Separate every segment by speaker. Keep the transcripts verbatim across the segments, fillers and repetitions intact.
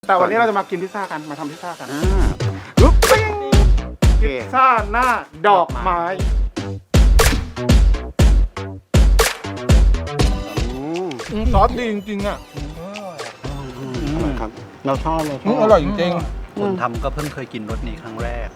Speaker 1: แต่วันนี้เราจะมากินพิซซ่ากันมาทำพิซซ่ากัน
Speaker 2: อ่า
Speaker 1: ปึ๊บปิ้งพิซซ่าหน้าดอกไม้
Speaker 2: อืม
Speaker 1: ซอสดีจริงๆอ่ะ
Speaker 2: อร่อยครับ เราชอบเราช
Speaker 1: อื
Speaker 2: อ
Speaker 1: ม
Speaker 2: บ
Speaker 1: อร่อยจริง
Speaker 3: คนทำก็เพิ่งเคยกินรสนี้ครั้งแรก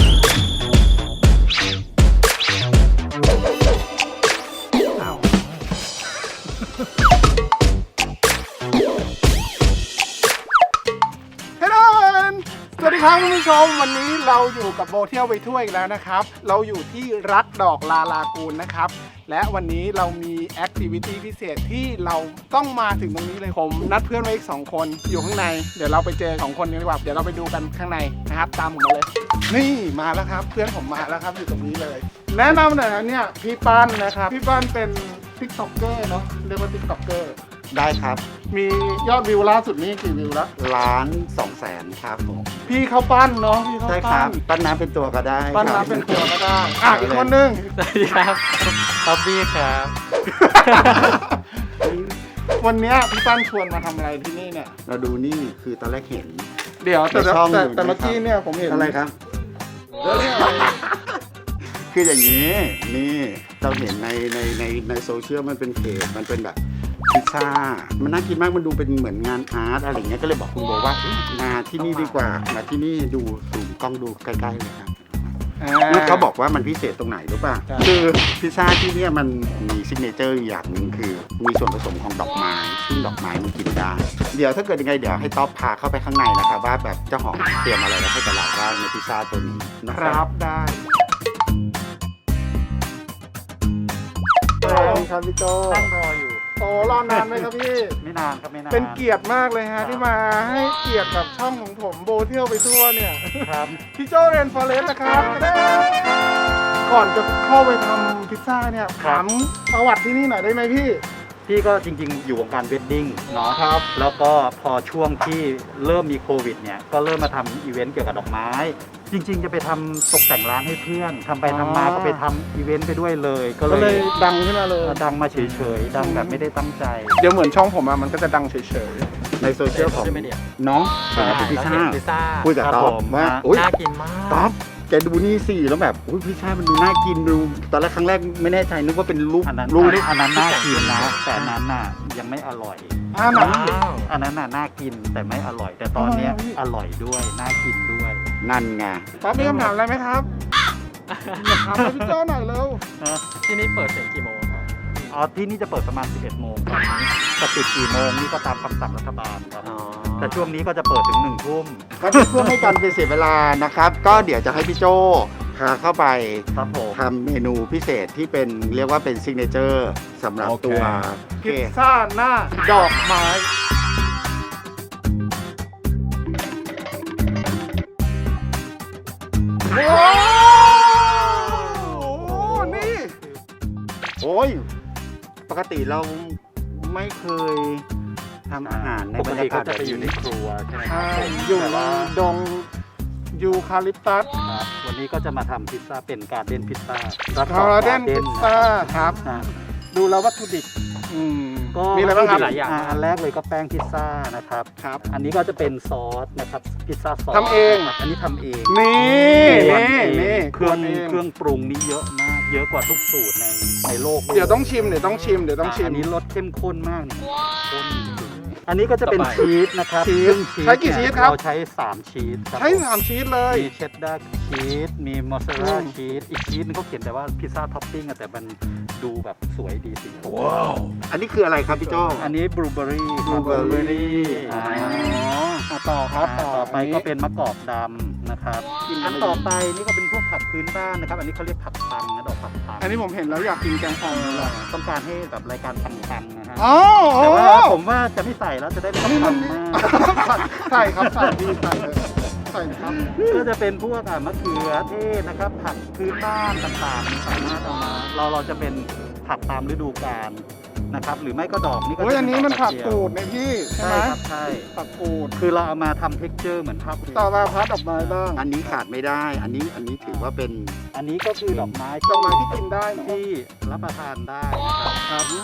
Speaker 1: เฮ้ยสวัสดีครับคุณผู้ชมวันนี้เราอยู่กับโบเที่ยวไปทั่วอีกแล้วนะครับ เราอยู่ที่รักดอกลาลากูนนะครับ และวันนี้เรามีแอคทิวิตี้พิเศษที่เราต้องมาถึงตรงนี้เลยผมนัดเพื่อนไว้อีกสองคนอยู่ข้างในเดี๋ยวเราไปเจอสองคนนี้ดีกว่าเดี๋ยวเราไปดูกันข้างในนะครับตามผมมาเลย นี่มาแล้วครับ เพื่อนผมมาแล้วครับอยู่ตรงนี้เลย แนะนำหน่อยนะเนี่ยพี่ปั้นนะครับพี่ปั้นเป็นติ๊กต็อกเกอร์เนาะเรียกว่าติ๊กต็อกเกอร์
Speaker 2: ได้ครับ
Speaker 1: มียอดวิวล่าสุดนี้กี่วิวแล้ว
Speaker 2: ล้านสองแสนครับผม
Speaker 1: พี่เขาปั้นเนาะพี่เขา
Speaker 2: ใช่ค
Speaker 1: ปั้
Speaker 2: รั
Speaker 1: น
Speaker 2: บปั้นน้ำเป็นตัวก็ได้
Speaker 1: ปั้น
Speaker 2: ครับ
Speaker 1: น้ำเป็นตัวก็ได้อ่ะอีกคนนึง
Speaker 3: สวัสดีครับท็อปปี้ครับ
Speaker 1: วันเนี้ยพี่ปั้นชวนมาทำอะไรที่นี่เนี่ย
Speaker 2: เราดูนี่คือตอนแรกเห็น
Speaker 1: เดี๋ยวแต่
Speaker 2: ในช่อง
Speaker 1: แต่
Speaker 2: อยู่
Speaker 1: แต่เมื่อ
Speaker 2: นะครับ
Speaker 1: กี้เนี่ยผมเห็น
Speaker 2: อะไรครับ
Speaker 1: แล้วเนี่ยอะไร
Speaker 2: คืออย่างนี้นี่เราเห็นในในในในโซเชียลมันเป็นเพจมันเป็นแบบพิซซ่ามันน่ากินมากมันดูเป็นเหมือนงานอาร์ตอะไรอย่างเงี้ยก็เลยบอกคุณโบว่าเอ๊ะมาที่นี่ดีกว่ามาที่นี่ดูสูงกล้องดูใกล้ๆเลยครับ
Speaker 1: อ่
Speaker 2: แล้วเขาบอกว่ามันพิเศษตรงไหนรู้ป่ะ
Speaker 1: ใช่
Speaker 2: คือพิซซ่าที่เนี่ยมันมีซิกเนเจอร์อย่างหนึ่งคือ มีส่วนผสมของดอกไม้ซึ่งดอกไม้มันกินได้ เดี๋ยวถ้าเกิดยังไงเดี๋ยวให้ต๊อบพาเข้าไปข้างในนะครับว่าแบบเจ้าของเตรียมอะไรแล้วให้กับเราบ้างในพิซซ่าตัวนี้นะ
Speaker 1: ค
Speaker 2: ค
Speaker 1: รั
Speaker 2: รั
Speaker 1: บบ ได้สวัสดีครับพี่โจ
Speaker 3: นั่งรออยู่
Speaker 1: โอ้รอนานไหมครับพี่
Speaker 3: ไม่นานครับไม่นาน
Speaker 1: เป็นเกียรติมากเลยฮะที่มาให้เกียรติกับช่องของผมโบเที่ยวไปทั่วเนี่ย
Speaker 3: ครับ
Speaker 1: พี่โจเรนฟอเรสต์นะครับ ก่อนจะเข้าไปทำพิซซ่าเนี่ยถามประวัติที่นี่หน่อยได้ไหมพี่
Speaker 3: พี่ก็จริงๆ อยู่วงการเวดดิ้งเนาะ
Speaker 1: ครับ
Speaker 3: แล้วก็พอช่วงที่เริ่มมีโควิดเนี่ยก็เริ่มมาทำอีเวนต์เกี่ยวกับดอกไม้ จริง ๆ จะไปทำตกแต่งร้านให้เพื่อนทำไปทำมาก็ไปทำอีเวนต์ไปด้วยเลย ก็
Speaker 1: ก็
Speaker 3: เล
Speaker 1: เลย
Speaker 3: ย
Speaker 1: ดังขึ้นมาเลย
Speaker 3: ดังมาเฉยๆดังแบบไม่ได้ตั้งใจ
Speaker 1: เดี๋ยวเหมือนช่องผมอะมันก็จะดังเฉย
Speaker 2: ในโซเชียลของน้องเป็นพิซซ่า
Speaker 4: พิซซ่า
Speaker 2: พูดกับ
Speaker 3: ครับ
Speaker 2: ต๊อบ
Speaker 3: ผม
Speaker 2: ว่า
Speaker 3: ฮะ
Speaker 2: อุ๊ย
Speaker 4: น่ากินมาก
Speaker 2: ต๊อบแกดูนี่สิแล้วแบบอุ้ยพิซซ่ามันดูน่ากินดูตอนแรกครั้งแรกไม่แน่ใจนึกว่าเป็นรูป
Speaker 3: อันนั้น
Speaker 2: รูป
Speaker 3: อันนั้นน่ากินนะแต่อันนั้นน่ะยังไม่อร่อย
Speaker 1: ๆอ้าวหนัง
Speaker 4: ว้าว
Speaker 3: อันนั้นน่ะน่ากินแต่ไม่อร่อย แต่ตอนเนี้ย
Speaker 1: ทำไมอ่ะพี่
Speaker 3: อร่อยด้วยน่ากินด้วย
Speaker 2: นั่นไง
Speaker 1: ป๊อปมีคำถามอะไรไหมครับอยากถามพี่โจหน่อยเร็ว
Speaker 3: นะ
Speaker 4: ที่นี่เปิดถึงกี่โมงครับ
Speaker 3: อ๋อที่นี่จะเปิดประมาณ สิบเอ็ดโมงครับจะปิดกี่โมงนี่ก็ตามคำสั่งรัฐบาลครับ แต่ช่วงนี้ก็จะเปิดถึงหนึ่งทุ่ม
Speaker 2: ก็เพื่อไม่การเป็นเสียเวลานะครับ ก็เดี๋ยวจะให้พี่โจพาเข้าไป
Speaker 3: ครับผม
Speaker 2: ทำเมนูพิเศษที่เป็นเรียกว่าเป็นซิกเนเจอร์สำหรับตัวโอเค
Speaker 1: พิซซ่าหน้าดอกไม้ว้าวนี่
Speaker 2: โอ้ย ปกติเราไม่เคยทำอาหารใน
Speaker 3: ป
Speaker 2: บ
Speaker 3: ก
Speaker 2: รร
Speaker 3: ติ
Speaker 2: ยากา
Speaker 3: ก็
Speaker 2: ศ
Speaker 3: จะ
Speaker 2: แบบ
Speaker 3: ไปอยู่ใน
Speaker 2: นี้
Speaker 3: ครัวใช่ไหมค
Speaker 1: ใช่
Speaker 3: รับผม
Speaker 1: อยู่
Speaker 3: แต่
Speaker 1: ใน
Speaker 3: ว่า
Speaker 1: ดงยูคาลิปตัส
Speaker 3: ครับวันนี้ก็จะมาทำพิซซ่าเป็นการ์เด้นพิซซ่า
Speaker 1: คาราเดนพิซซ่าครับ
Speaker 3: อ่า
Speaker 1: ดูแล้ววัตถุดิบอืม
Speaker 3: ก็
Speaker 1: มีอะไรบ้างครับ
Speaker 4: หลายอย่าง
Speaker 3: อ่าอันแรกเลยก็แป้งพิซซ่านะครับ
Speaker 1: ครับ
Speaker 3: อันนี้ก็จะเป็นซอสนะครับพิซซ่าซอส
Speaker 1: ทำเอง
Speaker 3: ครับอันนี้ทำเอง
Speaker 1: นี่นี่
Speaker 3: ทำเอง
Speaker 1: นี่
Speaker 3: เครื่อง
Speaker 1: ทำเอง
Speaker 3: เครื่องปรุงนี่เยอะมาก เยอะกว่าทุกสูตรในในโลก
Speaker 1: เดี๋ยวต้องชิมเดี๋ยวต้องชิมเดี๋ยวต้องชิม
Speaker 3: อันนี้รสเข้มข้นมากเนี่ยข้นจริงๆอันนี้ก็จะเป็น
Speaker 4: ต่อไป
Speaker 3: ชีสนะครับ
Speaker 1: ชีส
Speaker 3: ซึ่ง
Speaker 1: ใช้กี่
Speaker 3: เนี่ย
Speaker 1: ชีสครับ
Speaker 3: เราใช้สามชีสครับ
Speaker 1: ใช้
Speaker 3: ผม
Speaker 1: สามชีสเลย
Speaker 3: มีเชดดาร์ชีส มีมอสซาเรล
Speaker 1: อื
Speaker 3: ลาม ชีส อีกชีสนึงเขาเขียนแต่ว่าพิซซ่าท็อปปิ้งอะแต่มันดูแบบสวยดีสิ
Speaker 2: อันนี้คืออะไรครับพี่โจ
Speaker 3: อันนี้บลูเบอรี่
Speaker 2: blueberry
Speaker 3: อ่า
Speaker 1: อ่ะต่อครับต่อ
Speaker 3: ต่อไปก็เป็นมะกอกดำนะครับ อันต่อไปนี่ก็เป็นพวกผักพื้นบ้านนะครับ อันนี้เขาเรียกผักปังนะดอกผักปัง
Speaker 1: อันนี้ผมเห็นแล้วอยากกินแกงอ่อมเลย
Speaker 3: ต้องการให้แบบรายการปังๆนะฮะ
Speaker 1: อ๋อ
Speaker 3: แต่ว่าผมว่าจะไม่ใส่แล้วจะได้ไม่ต้องปังมาก
Speaker 1: ใส่ครับใส่ดีใส่เลยใส่ครับ
Speaker 3: ก็จะเป็นพวกอ่ะมะเขือเทศนะครับ ผักพื้นบ้านต่างๆสามารถเอามาเราเราจะเป็นผักตามฤดูกาลนะครับ หรือไม่ก็ดอกนี่ก็
Speaker 1: โอ้ยอันนี้มันผัก
Speaker 3: เจียว
Speaker 1: กูดในพี่ใช่
Speaker 3: ใช่
Speaker 1: ไหม
Speaker 3: ครับใช่
Speaker 1: ผักกูด
Speaker 3: คือเราเอามาทำเท็กเจอร์เหมือนภาพ
Speaker 1: ต่อมาพัดดอกไม้บ้าง
Speaker 2: อันนี้ขาดไม่ได้ อันนี้อันนี้ถือว่าเป็น
Speaker 3: อันนี้ก็คือดอกไม้
Speaker 1: ดอกไม้ที่กินได้เนอะ
Speaker 3: ที่รับประทานได้นะครับ
Speaker 1: ครับ
Speaker 2: อ่า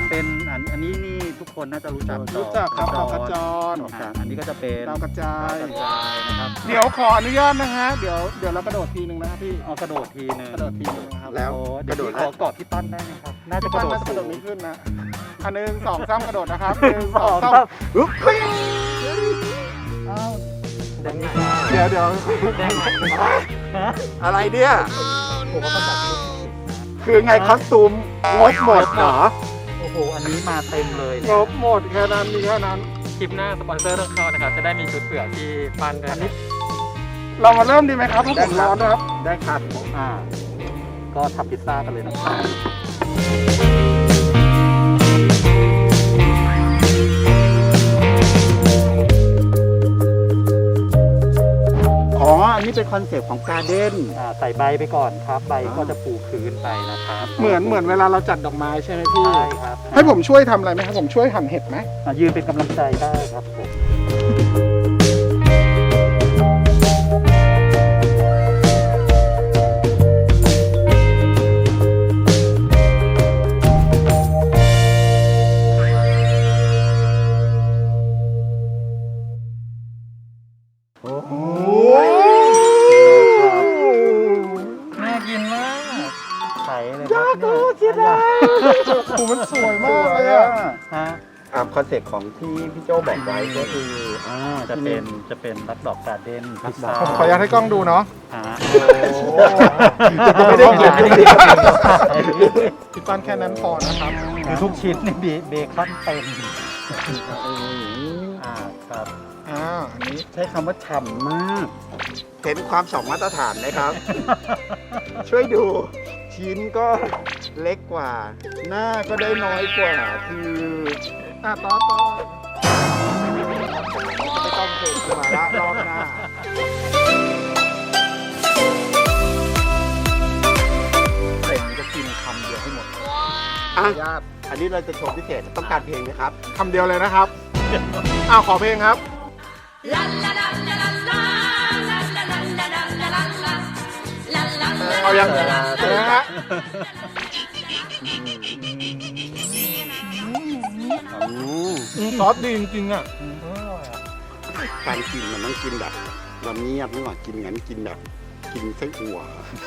Speaker 3: เป็นอันอันนี้นี่ทุกคนน่าจะรู้จัก
Speaker 1: รู้จักครับดอกกระจร
Speaker 3: อ่าอันนี้ก็จะเป็น
Speaker 1: ดาวกระจาย
Speaker 3: ดาวกระจายนะครับ
Speaker 1: เดี๋ยวขออนุญาตนะฮะเดี๋ยวเดี๋ยวเรากระโดดทีหนึ่งนะครับพี่
Speaker 3: เอากระโดดทีนึง
Speaker 1: กระโดดทีหนึงนะครับ
Speaker 2: แล้ว
Speaker 3: โอ้
Speaker 2: ก
Speaker 3: เดี๋ย
Speaker 2: ระ
Speaker 3: ว
Speaker 2: โดด
Speaker 3: พี่ขอกอดพี่ปั้นได้ไหมครับ น่าจะกระโดด
Speaker 1: น่าจะกระโดด
Speaker 3: สู
Speaker 1: ไม่
Speaker 3: ง
Speaker 1: ขึ้นนะอันหนึ่งสองสามกระโดดนะครับหนึ่งส
Speaker 3: ส
Speaker 1: อ
Speaker 3: อง ง
Speaker 1: สาม
Speaker 3: ครับ
Speaker 2: อึ๊บ
Speaker 3: อ้าวแดงนี่
Speaker 1: เดี๋ยวเดี๋ยว
Speaker 3: แดงฮะ
Speaker 2: อะไรเนี่ย
Speaker 3: ผมว่ามันแบบ
Speaker 2: คือไงคอสตูมงดหมดเหรอ
Speaker 3: โอ้โห อันนี้มาเต็มเลย
Speaker 1: ง
Speaker 3: เนี่ย
Speaker 1: บหมดแค่นั้นมีแค่นั้น
Speaker 4: คลิปหน้าสปอนเซอร์ต้องเข้านะครับ จะได้มีชุดเปลือกที่ปั้นด้วย
Speaker 3: อันนี้
Speaker 1: เรามาเริ่มดีไหมครับเพราะผมร้อนนะครับ
Speaker 2: ได้ครับ
Speaker 3: อ่า ก็ทำพิซซ่ากันเลยนะครับ
Speaker 2: อ๋อ อันนี้เป็นคอนเซปต์ของการ์เด้น
Speaker 3: อ่า ใส่ใบไปก่อนครับ ใบก็จะปูพื้นไปนะครับ
Speaker 1: เหมือนเหมือนเวลาเราจัดดอกไม้ใช่ไหมพี่
Speaker 3: ใช่ครับ
Speaker 1: ให้ผมช่วยทำอะไรไหมครับผมช่วยหั่นเห็ดไหม
Speaker 3: อ่ะยืนเป็นกำลังใจได้ครับผม
Speaker 2: โอ้โห
Speaker 4: น่ากินมาก
Speaker 3: ไข่เลยครับเนี่ย
Speaker 1: โอ้มันสวยมากเลยอะ
Speaker 3: ฮะ
Speaker 2: ตามคอนเซปต์ของที่พี่โจบอกไว้ก็คือ
Speaker 3: อ่าจะเป็นจะเป็นรักดอกการ์เด้นพิซซ่า
Speaker 1: ผมขออนุญาตให้กล้องดูเนาะ
Speaker 3: อ่า
Speaker 2: ไม่ได้กินไม่ได้กิน
Speaker 1: พี่ปั้นแค่นั้นพอนะครับ
Speaker 3: คือทุกชิ้นนี่เบเบคอนเต็มอ่าครับ
Speaker 1: อ่าอันนี้
Speaker 2: ใช้คำว่าฉ่ำมาก เห็นความสองมาตรฐานไหมครับ ช่วยดู ชิ้นก็เล็กกว่า หน้าก็ได้น้อยกว่า คือ
Speaker 1: อ่ะต่อต่อ
Speaker 2: ไม่ต้องเกิดมาละรอบหน้า
Speaker 1: เสร็จจะกินคำเดียวให้หมด
Speaker 2: อ่ะ
Speaker 1: ญาติ
Speaker 2: อันนี้เราจะโชว์พิเศษต้องการเพลงไหมครับ
Speaker 1: คำเดียวเลยนะครับอ้าวขอเพลงครับ
Speaker 5: La la la la la la la la la la la la la la. La la la
Speaker 1: เอายัง
Speaker 5: la la
Speaker 1: เดี๋ยวนะฮะ
Speaker 2: อืม
Speaker 1: อืมซอสดีจริงๆอ่ะ
Speaker 2: การกินมันต้องกินแบบเราเงียบไม่หว่ากินงั้นกินแบบ กินไส้อั่ว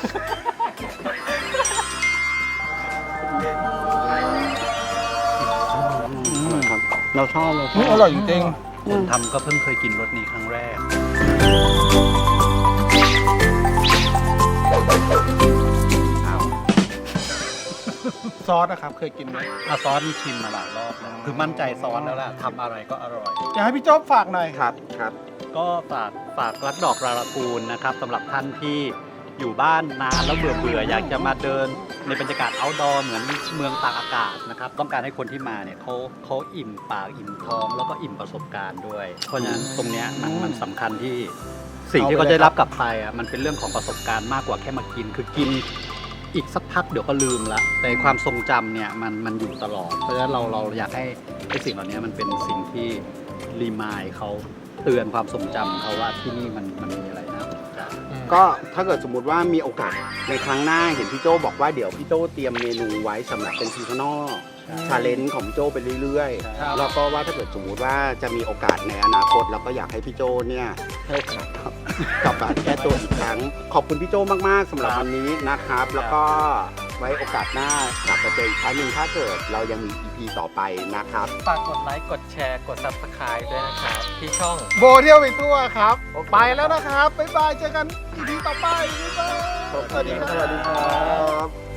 Speaker 2: อร่อยครับ เราชอบเราช
Speaker 1: อื
Speaker 2: อ
Speaker 1: ม
Speaker 2: บ
Speaker 1: อร่อยจริง
Speaker 3: คนทำก็เพิ่งเคยกินรสนี้ครั้งแรก
Speaker 1: ๆซอสนะครับเคยกินไหม
Speaker 3: อาซอสนี่ชิมมาหลายรอบแล้วคือมั่นใจซอสแล้วล่ะทำอะไรก็อร่อย
Speaker 1: อยากให้พี่โจ๊อบฝากหน่อย
Speaker 2: ครับครับ
Speaker 3: ก็ฝากฝากรักดอกราลากูลนะครับสำหรับท่านที่อยู่บ้านนานแล้วเบื่อเบื่ออยากจะมาเดินในบรรยากาศ outdoor เหมือนเมืองตากอากาศนะครับต้องการให้คนที่มาเนี่ยเขาเขาอิ่มปากอิ่มท้อง แล้วก็อิ่มประสบการณ์ด้วย เพราะฉะนั้นตรงเนี้ยมันมันสำคัญที่สิ่งที่เขาจะได้รับกลับไปอ่ะมันเป็นเรื่องของประสบการณ์มากกว่าแค่มากิน คือกินอีกสักพักเดี๋ยวก็ลืมละแต่ความทรงจำเนี่ยมันมันอยู่ตลอด เพราะฉะนั้นเราเราอยากให้ไอ้สิ่งเหล่านี้มันเป็นสิ่งที่รีมายเขาเตือนความทรงจำเขาว่าที่นี่มันมันมีอะไรน่าสนใจ
Speaker 2: ก็ถ้าเกิดสมมติว่ามีโอกาสในครั้งหน้าเห็นพี่โจบอกว่าเดี๋ยวพี่โจเตรียมเมนูไว้สำหรับเป็นซีซันอลชาเลนจ์ของพี่โจไปเรื่อย
Speaker 3: ครับ
Speaker 2: ๆ แล้วก็ว่าถ้าเกิดสมมติว่าจะมีโอกาสในอนาคตเราก็อยากให้พี่โจเนี่ยให้โอกาสครับกลับมาแก้ตัวอีกครั้ง ขอบคุณพี่โจมากๆสำหรับวันนี้นะครับ แล้วก็ไว้โอกาสหน้ากลับมาเจออีกครั้งหนึ่งถ้าเกิดเรายังมี อี พี ต่อไปนะครับ
Speaker 4: ฝากกดไลค์ กดแชร์ กด Subscribe ด้วยนะครับ ที่ช่อง
Speaker 1: โบเที่ยวไปทั่วครับ ไปแล้วนะครับ บ๊ายบาย เจอกันอีพีต่อไป บ๊ายบาย
Speaker 2: สวัสดีครับ